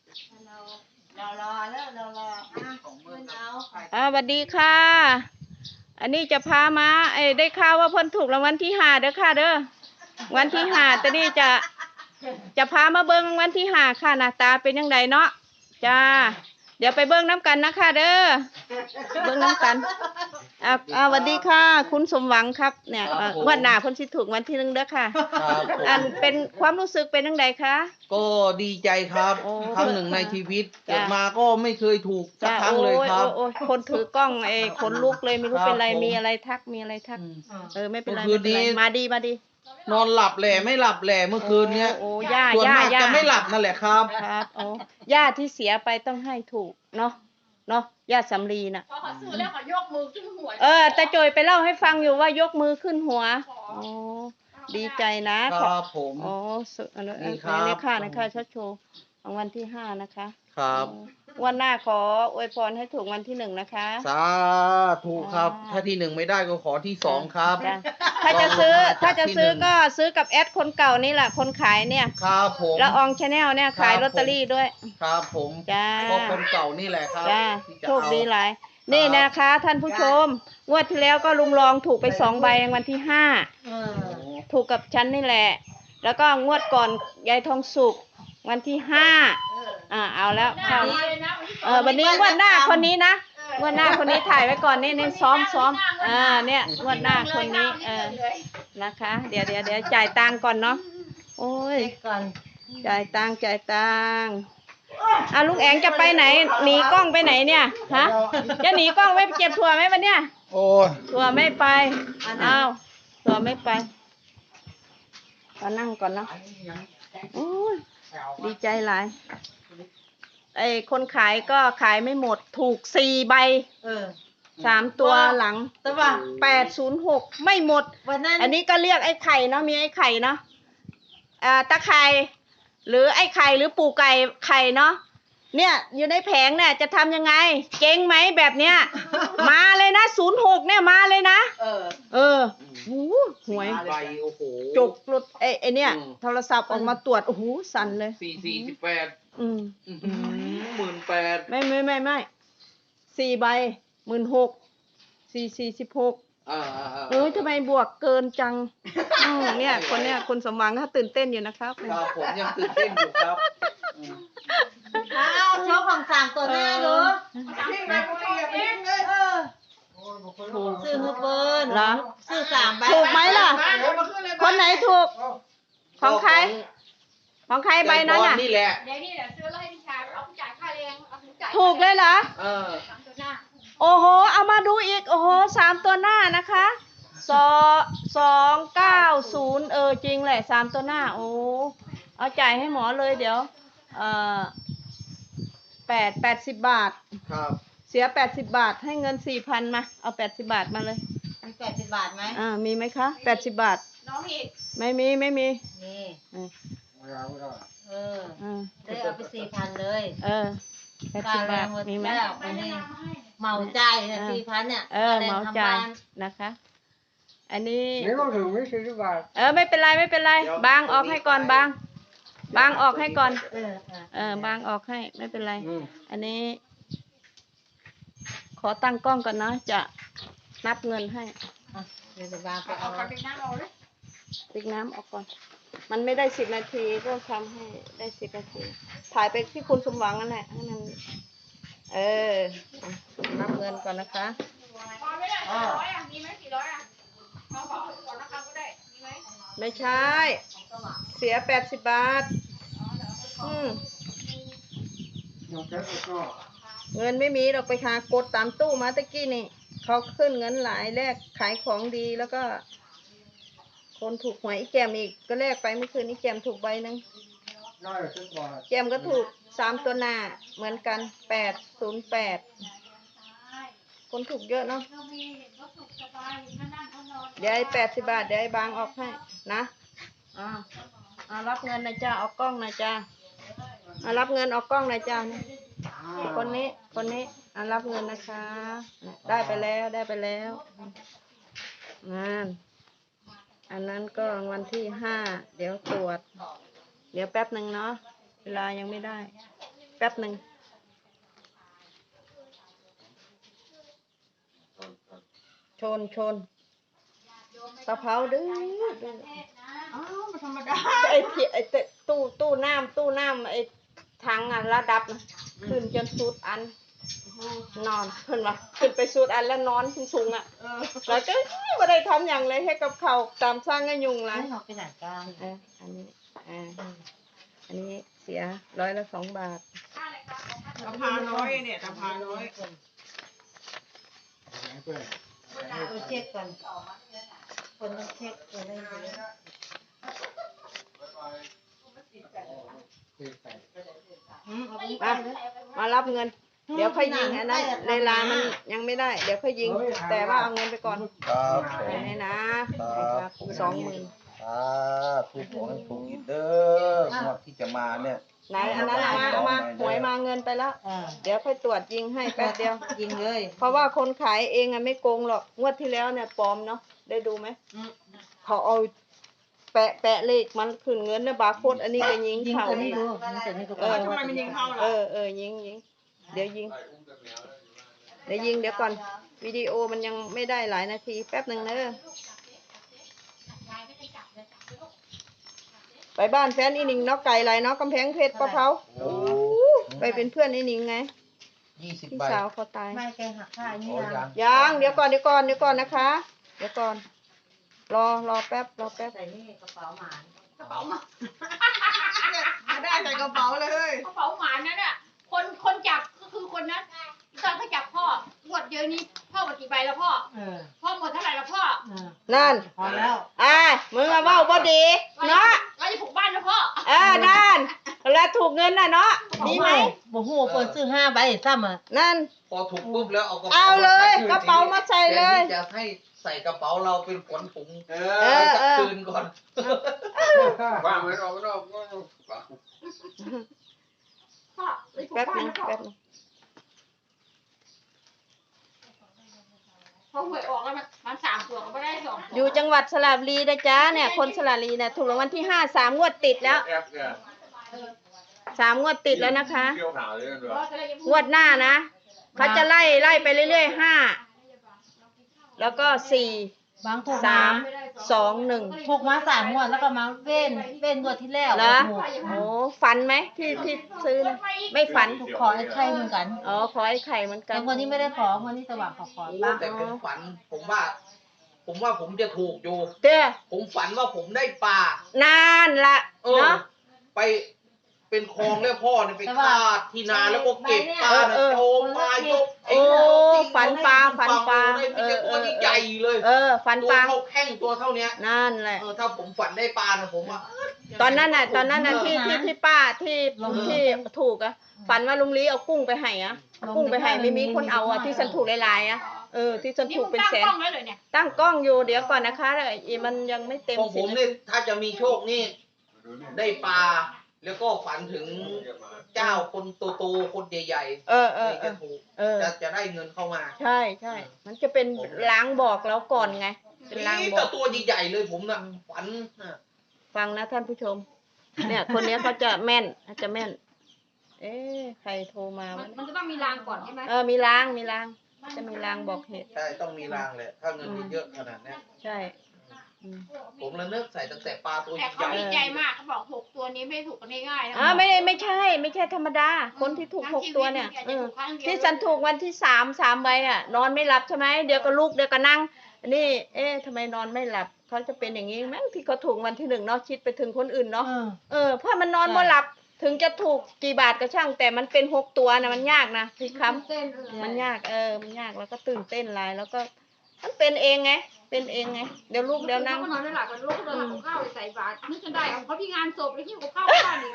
เรารอแล้วเรารอเงินเอาสวัสดีค่ะ อันนี้จะพามาได้ข่าวว่าเพิ่นถูกรางวัลที่5เด้อค่ะเด้อวันที่5แต่นี่จะพามาเบิ่งรางวัลที่5ค่ะหน้าตาเป็นยังไงเนาะจ้าเดี๋ยวไปเบิ่งน้ำกันนะคะเด้อเบิ่งน้ำกันสวัสดีค่ะ คุณสมหวังครับเนี่ยงวดหน้าเพิ่นสิถูกวันที่1เด้อค่ะครับผมอันเป็นความรู้สึกเป็นยังไงคะก็ดีใจครับโอ้ครั้งหนึ่งในชีวิตจ้ะเกิดมาก็ไม่เคยถูกสักจ้าครั้งเลยครับโอ้ยคนถือกล้องคนลุกเลยไม่รู้ครับเป็นไรผมมีอะไรทักมีอะไรทัก ไม่เป็นไรเมื่อคืไม่นเป็นไรนี้มาดีนอนหลับแหล่ไม่หลับแหล่เมื่อคืนเนี้ยโอ้ย่าส่วนมากย่าจะไม่หลับนั่นแหละครับครับโอ้ย่าที่เสียไปต้องให้ถูกเนาะย่าสำลีน่ะพอเขาซื้อแล้วเขายกมือขึ้นหัวตาโจยไปเล่าให้ฟังอยู่ว่ายกมือขึ้นหัวโอ้ดีใจนะครับผมโอ้สุดอันนี่นี้ครับนี่ค่ะนะคะชัดโชว์รางวัลที่5นะคะครับวันหน้าขออวยพรให้ถูกวันที่1นะคะสาธุครับ ถ้าที่ 1ไม่ได้ก็ขอที่ 2ครับจ้ะถ้าจะซื้อลองลงมาถ้าจะซื้อจากที่หนึ่งก็ซื้อกับแอดคนเก่านี่แหละคนขายเนี่ยครับผมละอองชาแนลเนี่ยครับขายลอตเตอรี่ด้วยครับผมจ้าก็คนเก่านี่แหละครับจ้าที่จะโชคเอาดีหลาย นี่นะคะ ท่านผู้ชมงวดที่แล้วก็ลุงรองถูกไป2 ใบรางวัลที่5ถูกกับฉันนี่แหละ แล้วก็งวดก่อนยายทองสุกวันที่5เอาแล้วเข้าวันนี้งวดหน้าคนนี้นะงวดหน้าคนนี้ถ่ายไว้ก่อนนี่ซ้อมเนี่ยงวดหน้าคนนี้นะคะ เดี๋ยวจ่ายตังค์ก่อนเนาะโอ้ยก่อนจ่ายตังค์ลุงแองจะไปไหนหนีกล้องไปไหนเนี่ยฮะจะหนีกล้องไว้เก็บถั่วไหมวันเนี้ยโอ้ยถั่วไม่ไปถั่วไม่ไปก็นั่งก่อนเนาะโอ้ยดีใจหลายคนขายก็ขายไม่หมดถูก4 ใบ3 ตัวหลังแต่ว่า 806ไม่หมดวันนั้นอันนี้ก็เรียกไอ้ไข่เนาะมีไอ้ไข่เนาะตะไคร่หรือไอ้ไข่หรือปู่ไก่ไข่เนาะเนี่ยอยู่ในแผงเนี่ยจะทำยังไงเจ๊งไหมแบบเนี้ย มาเลยนะ06เนี่ยมาเลยนะหูหวยใบโอ้โหจกรถไอ้เนี่ยอืมโทรศัพท์ออกมาตรวจโอ้โหสั่นเลย 18 อืม 18,000 ไม่4 ใบ16,000 446ทำไมบวกเกินจังเนี่ยคนสมหวังเขาตื่นเต้นอยู่นะครับครับผมยังตื่นเต้นอยู่ครับโชว์ของสามตัวหน้าดูซื้อฮูเบิร์นเหรอซื้อ3 ใบถูกไหมล่ะ คนไหนถูก ของใคร ของใครใบนั้นน่ะนี่แหละเดี๋ยวนี่เดี๋ยวซื้อแล้วให้พี่ชายเอาผู้จ่ายค่าแรงเอาผู้จ่ายถูกเลยเหรอสามตัวหน้าโอ้โห เอามาดูอีก โอ้โห3 ตัวหน้านะคะ290จริงแหละ3 ตัวหน้า โอ้เอาจ่ายให้หมอเลยเดี๋ยว80 บาทครับเสีย80 บาท ให้เงิน 4,000 มาเอา80 บาทมาเลยมี80 บาทไหมมีไหมคะ80 บาทน้องอีกไม่มีนี่เออได้เอาไป4,000เลย 80 บาทมีไหมแล้ววันนี้เหมาจ่ายเนี่ย4,000เนี่ยเหมาจ่ายนะคะ อันนี้นี่ก็ถึงไม่ซื้อบาทไม่เป็นไรบางออกให้ก่อนบางออกให้ก่อนบางออกให้ไม่เป็นไร อันนี้ ขอตั้งกล้องก่อนนะจะนับเงินให้เดี๋ยวบางไปเอาเอาความเป็นหน้าเราเลยติ๊กน้ำออกก่อน มันไม่ได้10 นาทีก็ทำให้ได้10 นาที ถ่ายไปที่คุณสมหวังนั่นแหละให้มันนับเงินก่อนนะคะพอไม่ได้400มีไหม400เอาขอก่อนนะครับก็ได้มีไหมไม่ใช่ เสีย80 บาทยกแค่ก็เงินไม่มีเราไปหากดตามตู้มาตะกี้นี่เขาขึ้นเงินหลายแลกขายของดีแล้วก็ คนถูกหวยอีแจมอีกก็แลกไปเมื่อคืนนี้แจมถูกใบหนึ่งได้ซื้อบาทแจมก็ถูก3 ตัวหน้าเหมือนกัน808คนถูกเยอะเนาะเรามีเห็นเขาสุขสบายเห็นเขานั่งเขานอนเดี๋ยว80 บาทเดี๋ยวบางออกให้นะรับเงินนะจ้าออกกล้องนะจ้ารับเงินออกกล้องนะจ้าคนนี้รับเงินนะคะ ได้ไปแล้วอันนั้นก็รางวัลที่5เดี๋ยวตรวจ เดี๋ยวแป๊บหนึ่งเนาะเวลายังไม่ได้แป๊บหนึ่งชนกะเพราดื้ออ้าวมันธรรมดาไอ้ที่ไอ้เตตู้น้ำไอ้ถังอ่ะระดับนะขึ้นจนสุดอันนอนขึ้นวะขึ้นไปสุดอันแล้วนอนสูงอ่ะแล้วก็ไม่ได้ทำอย่างเลยให้กับเขาวตามสร้างให้ยุงไรให้เราไปไหนกันอันนี้อันนี้เสีย100 ละ 2 บาทตะพาน้อยเนี่ยตะพาน้อยไปเช็คก่อนคนต้องเช็คคนได้เยอะมารับเงิน เดี๋ยวค่อยยิงอันนั้นเวลามันยังไม่ได้ เดี๋ยวค่อยยิง แต่ว่าเอาเงินไปก่อนครับผมนี่นะครับ20,000 ถูกของให้ถูกอีกเด้องวดที่จะมาเนี่ยไหนอันนั้นเอามาหวยมาเงินไปแล้ว เดี๋ยวค่อยตรวจยิงให้แป๊บเดียวยิงเลยเพราะว่าคนขายเองอะไม่โกงหรอกงวดที่แล้วเนี่ยปลอมเนาะได้ดูไหมเขาเอาแปะเลขมันขึ้นเงินเนี่ยบาร์โค้ดอันนี้ก็ยิงยิงเขาตัวนี้ดูยิงตัวนี้ก็พอทำไมมันยิงเข้าล่ะยิงเดี๋ยวยิงเดี๋ยวก่อนวิดีโอมันยังไม่ได้หลายนาทีแป๊บหนึ่งเนอะไปบ้านแฟนอีหนิงเนาะไก่ไรเนาะกำแพงเพชรปะเผาโอ้ไปเป็นเพื่อนอีหนิงไง 20 พี่ใบสาวเขาตายไม่แกหักค่านี่โอ้ยัยังเดี๋ยวก่อนนะคะ เดี๋ยวก่อนรอแป๊บใส่นี่กระเป๋าหมานกระเป๋ามาได้ใส่กระเป๋าเลยกระเป๋าหมานั่นน่ะคนจับก็คือคนนั้นตอนเขาจับพ่อหมดเยอะนี้พ่อหมดกี่ใบแล้วพ่อพ่อหมดเท่าไหร่แล้วพ่อนั่นพอแล้วมึงอะเว้าบ่ดีเนาะเราจะผูกบ้านนะพ่อนั่นแล้วถูกเงินน่ะเนาะดีไหมบ่ฮู้เปิดซื้อ5 ใบซ้ำอ่ะนั่นพอถูกปุ๊บแล้วเอากระเอาเลยกระเป๋ามาใส่เลยแทนที่จะให้ใส่กระเป๋าเราเป็นขนถุงอสักคืนก่อนว่าไม่รอไม่รอพ่อไปผูกแป๊บบ้านึนงนะพ่อแป๊บนึงพอหวยออกแล้วมัน3 ตัวก็ไม่ได้2 ตัวอยู่จังหวัดสระบุรีนะจ๊ะเนี่ยคนสระบุรีเนี่ยถูกรางวัลที่3 งวดติดแล้ว3 งวดติดแล้วนะคะ งวดหน้านะเขาจะไล่ไปเรื่อยๆ5แล้วก็4 บางถูก 3 2 1 ถูกมา3 งวดแล้วก็มาเว้นงวดที่แล้วเหรอโอ้ฝันไหมที่ซื้อนะไม่ฝันขอไอ้ไข่เหมือนกันขอไอ้ไข่เหมือนกัแต่นคนนี้ไม่ได้ขอคนนี้สว่างขอบ้างแต่ผมฝัน ผมว่าผมจะถูกอยู่เด้อผมฝันว่าผมได้ปลานั่นละ เนาะไปเป็นคลองแล้วพ่อเนี่ยไปคาดที่นาแล้วก็เก็บปลาเออโจมปลายกโอ้ฝันปลาได้มีแต่ตัวที่ใหญ่เลยฝันตัวปลาเท่าแข้งตัวเท่าเนี้ยนั่นแหละถ้าผมฝันได้ปลานะผมว่าตอนนั้นน่ะที่ป้าที่ถูกอะฝันว่าลุงลี้เอากุ้งไปให้อะกุ้งไปให้ไม่มีคนเอาอะที่ฉันถูกหลายๆอะที่ฉันนี่ถูมึกงเป็นตั้งแสนกล้องไว้เลยเนี่ยตั้งกล้องอยู่เดี๋ยวก่อนนะคะมันยังไม่เต็มของผม 10 นี่ถ้าจะมีโชคนี่ได้ปลาแล้วก็ฝันถึงเจ้าคนโตๆคนใหญ่ๆจะถูกจะได้เงินเข้ามาใช่มันจะเป็นล้างบอกเราก่อนไงเป็นล้างนี่บแต่อกตัวใหญ่ๆเลยผมน่ะฝันน่ะฟังนะท่านผู้ชม เนี่ยคนเนี้ยเขาจะแม่นใครโทรมาวะมันจะต้องมีรางก่อนใช่ไหมมีล้างจะมีล้างบอกเหตุใช่ต้องมีรางเลยถ้าเงินเยอะๆขนาดเนี้ยใช่ผมระเนิกใส่ตั้งแต่ปลาตัวใหแต่เขาญ่ดีใจมากเขาบอก6 ตัวนี้ไม่ถูกกันง่ายๆนะไม่ใช่ธรรมดา คนที่ถูก6 ตัวเนี่ยที่ฉันถูกวันที่3 ใบอ่ะ นอนไม่หลับใช่ไหมเดี๋ยวก็ลุกเดี๋ยวก็นั่งนี่ทำไมนอนไม่หลับเขาจะเป็นอย่างนี้มั้งที่เขาถูกวันที่1เนาะคิดไปถึงคนอื่นเนาะเพราะมันนอนไม่หลับถึงจะถูกกี่บาทก็ช่างแต่มันเป็น6 ตัวนะมันยากนะพี่คำมันยากมันยากแล้วก็ตื่นเต้นหลายแล้วก็มันเป็นเองไงเดี๋ยวลูกเดี๋ยวนั่งเขานอนไม่หลับกันลูกเขาเดินทำกับข้าวใส่บาตรนึกจนได้เขาที่งานศพแล้วที่กับข้าวบ้านอีก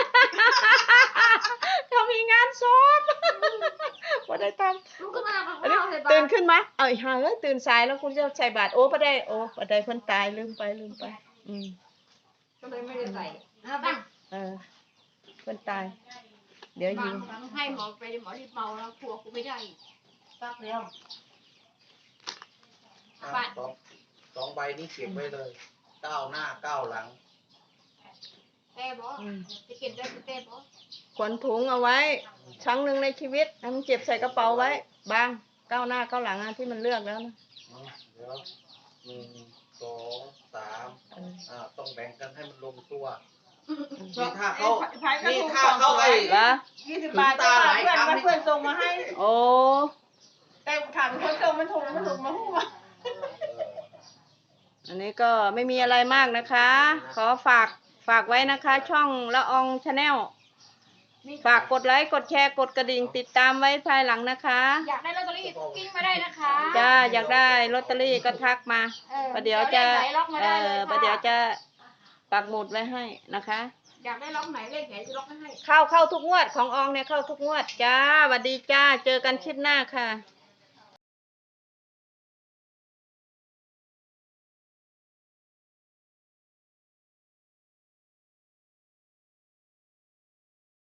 เขามีงานศพว่าได้ทลูกขึ้นมาทำกับำข้าวใส่บาตรตื่นขึ้นมาเอาอีกห่าตื่นสายแล้วคุณจะใส่บาตรโอ้บ่ได้เพิ่นตายลืมไปก็เลยไม่ได้ใส่เพิ่นตาย เดี๋ยวยิงให้หมอไปหมอรีบเมาแล้วกลัวกูไม่ได้ปักเดียว 2 ใบนี้เก็บไว้เลย 9 หน้า 9 หลังแต่บอจะเก็บได้แต่บอขนถุงเอาไว้ครั้งหนึ่งในชีวิตให้มันเก็บใส่กระเป๋าไว้บางก้าวหน้าก้าวหลังที่มันเลือกแล้วนะเดี๋ยว1 2 3ต้องแบ่งกันให้มันลงตัวนี่ถ้าเขาไอ้เหรอ 20 บาทก็เพื่อนส่งมาให้โอ้แต่ถามคนส่งมันถูกมาหู้อันนี้ก็ไม่มีอะไรมากนะคะ ขอฝากไว้นะคะ ช่องละอองชาแนลฝากกดไลค์กดแชร์กดกระดิ่งติดตามไว้ภายหลังนะคะอยากได้ลอตเตอรี่กิ้งมาได้นะคะจ้าอยากได้ลอตเตอรี่ก็ทักมาประเดี๋ยวจะประเดี๋ยวจะปักหมุดไว้ให้นะคะอยากได้ล็อกไหนเลขไหนจะล็อกให้เข้าทุกงวดของอองเนี่ยเข้าทุกงวดจ้าสวัสดีจ้าเจอกันคลิปหน้าค่ะ